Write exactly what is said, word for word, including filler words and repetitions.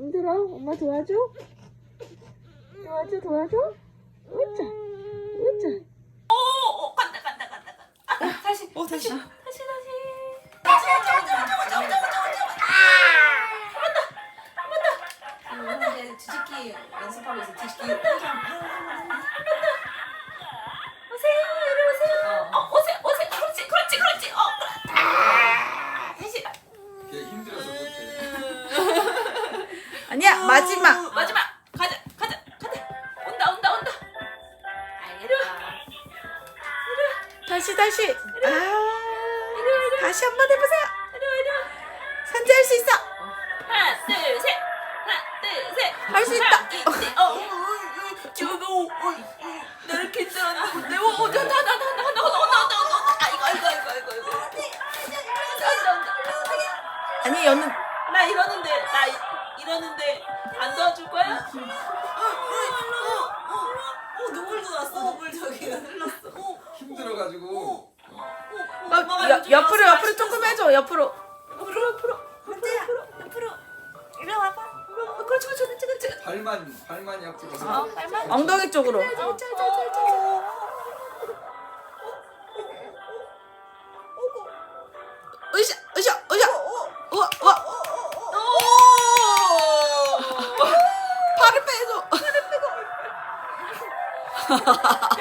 힘들어? 엄마 도와줘? 도와줘 도와줘? 으짜 으짜. 오, 오 간다 간다 간다 간다. 아, 다시 어 다시. 다시 다시. 다시 다시 다시 다시. 이제 뒤집기 연습하고 있어. 뒤집기. 오세요 이리 오세요. 어 오세요 오세요. 그렇지 그렇지 그렇지. 어 그래. 아, 다시. 걔 힘들어서 못해. 아니야 마지막. 마지막 가자 가자 가자. 온다 온다 온다. 아 이리 와. 다시 다시. 아 이리 와 이리 와. 다시 한 번 해보세요. 이리 와 이리 와. 산지 할 수 있어. 하나 둘 셋. 하나 둘 셋. 할 수 있다. 하나, 둘, 셋. 어. 저거 나 이렇게 힘들었는데 어 온다 온다 온다 온다 온다 온다 온다 온다 온다. 아 이거 이거 이거 이거 이거. 온다 온다 온다. 아니 여는 나 이러는데 나 이- 이러는데 안 도와줄 거야? 어 눈물도 났어. 눈물 저기 흘렀어. 힘들어가지고. 어, 여, 옆으로 옆으로 조금 해줘 옆으로. 옆으로 옆으로 옆으로 옆으로 이리 와봐. 어, 그렇지 그렇지 그렇지 그렇지. 발만 발만 옆으로. 어 빨만. 엉덩이 쪽으로. 으쌰 으쌰 으쌰. 우와 우와. 팔을 빼줘. 팔을 빼고.